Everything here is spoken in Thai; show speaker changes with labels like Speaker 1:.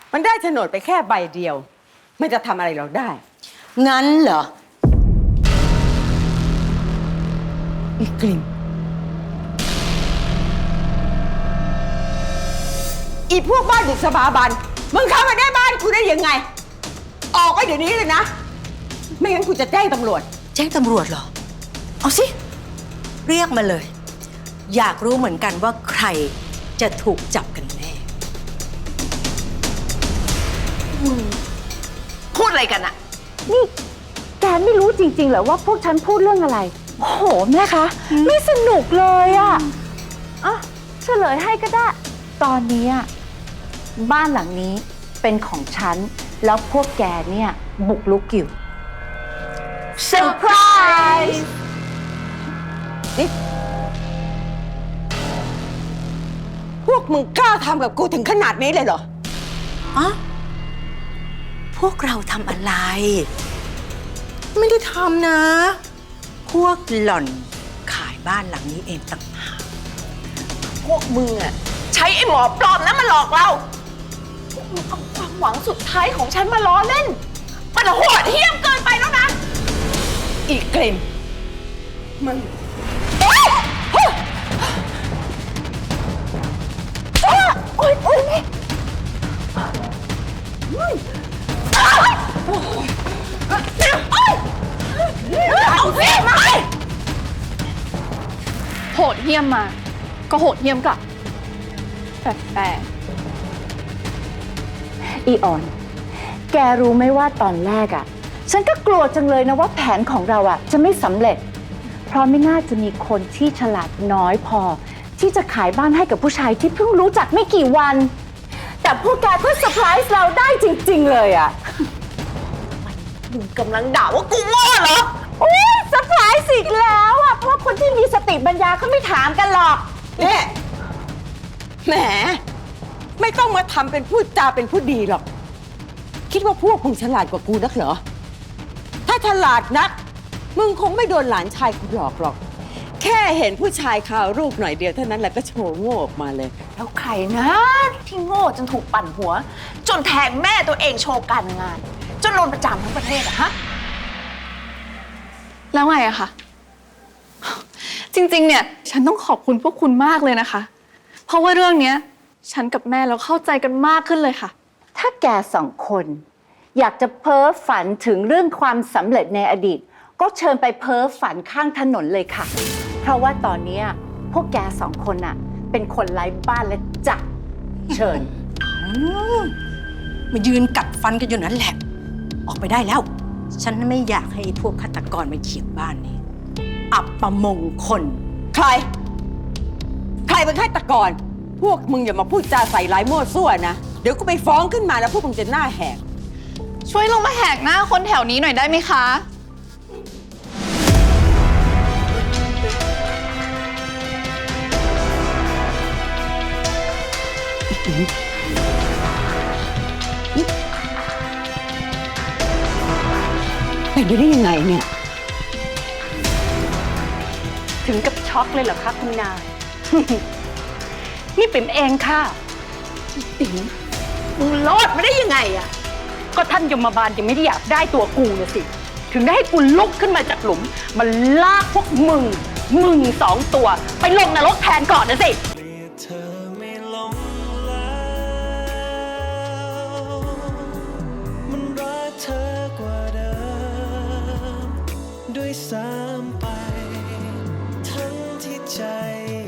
Speaker 1: มันได้โฉนดไปแค่ใบเดียวมันจะทำอะไรเราได้
Speaker 2: งั้นเหรอ
Speaker 1: อีกลิ่นอีพวกบ้านบุกสถาบันมึงเข้ามาได้บ้านกูได้ยังไงออกไปเดี๋ยวนี้เลยนะไม่งั้นกูจะแจ้งตำรวจ
Speaker 2: แจ้งตำรวจเหรอเอาสิเรียกมาเลยอยากรู้เหมือนกันว่าใครจะถูกจับกันแน่
Speaker 3: พูดอะไรกันอะ
Speaker 4: นี่แกไม่รู้จริงๆเหรอว่าพวกฉันพูดเรื่องอะไรโอ้โหแม่คะไม่สนุกเลยอ่ะเฉลยให้ก็ได้ตอนนี้บ้านหลังนี้เป็นของฉันแล้วพวกแกเนี่ยบุกรุกอยู่เซอร์ไพรส์
Speaker 1: นี่พวกมึงกล้าทำกับกูถึงขนาดนี้เลยเหรอ
Speaker 2: พวกเราทำอะไรไม่ได้ทำนะพวกหล่อนขายบ้านหลังนี้เองต่างหาก
Speaker 3: พวกมึงอะใช้ไอ้หมอปลอมนั้นมาหลอกเราพวกมึงเอาความหวังสุดท้ายของฉันมาล้อเล่นมันโหดเหี้ยมเกินไปแล้วนะ
Speaker 1: อีกลิ่นมึง
Speaker 4: โอ๊ยนี่
Speaker 3: เอาสิมา
Speaker 5: โหดเหี้ยมมาก็โหดเหี้ยมกลับแต่
Speaker 4: อีออนแกรู้ไหมว่าตอนแรกฉันก็กลัวจังเลยนะว่าแผนของเราจะไม่สำเร็จเพราะไม่น่าจะมีคนที่ฉลาดน้อยพอที่จะขายบ้านให้กับผู้ชายที่เพิ่งรู้จักไม่กี่วันแต่พวกแกก็เซอร์ไพรส์เราได้จริงๆเลย
Speaker 3: มึงกำลังด่าว่ากูโง่เหรอ
Speaker 4: โอ้ยเซอร์ไพรส์อีกแล้วเพราะคนที่มีสติปัญญาเขาไม่ถามกันหรอก
Speaker 1: เนี่ยแหมไม่ต้องมาทำเป็นพูดจาเป็นผู้ดีหรอกคิดว่าพวกมึงฉลาดกว่ากูนักเหรอถ้าฉลาดนักมึงคงไม่โดนหลานชายกูหลอกหรอกแค่เห็นผู้ชายข่าวรูปหน่อยเดียวเท่านั้นแหละก็โชว์โง่ออกมาเลย
Speaker 3: แล้วใครนะที่โง่จนถูกปั่นหัวจนแทงแม่ตัวเองโชว์การงานจนโดนประจานทั้งประเทศอะฮะ
Speaker 5: แล้วไงอะคะจริงๆเนี่ยฉันต้องขอบคุณพวกคุณมากเลยนะคะเพราะว่าเรื่องเนี้ยฉันกับแม่เราเข้าใจกันมากขึ้นเลยค่ะ
Speaker 4: ถ้าแกสองคนอยากจะเพ้อฝันถึงเรื่องความสำเร็จในอดีตก็เชิญไปเพ้อฝันข้างถนนเลยค่ะเพราะว่าตอนนี้พวกแกสองคนเป็นคนไร้บ้านและจักเชิญ
Speaker 2: มายืนกัดฟันกันอยู่นั่นแหละออกไปได้แล้วฉันไม่อยากให้พวกฆาตกรมาเหยียบบ้านนี้อับประมงคล
Speaker 1: ใครเป็นฆาตกรพวกมึงอย่ามาพูดจาใส่ร้ายมั่วซั่วนะเดี๋ยวกูไปฟ้องขึ้นมาแล้วพวกมึงจะหน้าแหก
Speaker 5: ช่วยลงมาแหกหน้าคนแถวนี้หน่อยได้ไหมคะ
Speaker 1: เป็นไปได้ยังไงเนี่ย
Speaker 4: ถึงกับช็อกเลยเหรอคะคุณนาย นี่ปิ๋มเองค่ะ
Speaker 3: ติ๋มมึงรอดมาได้ยังไงอะ
Speaker 4: ก็ท่านยมบาลยังไม่ได้อยากได้ตัวกูนะสิถึงได้ให้กูลุกขึ้นมาจากหลุมมันลากพวกมึงสองตัวไปลงนรกแทนก่อนนะสิ
Speaker 6: ด้วยซ้ำไปทั้งที่ใจ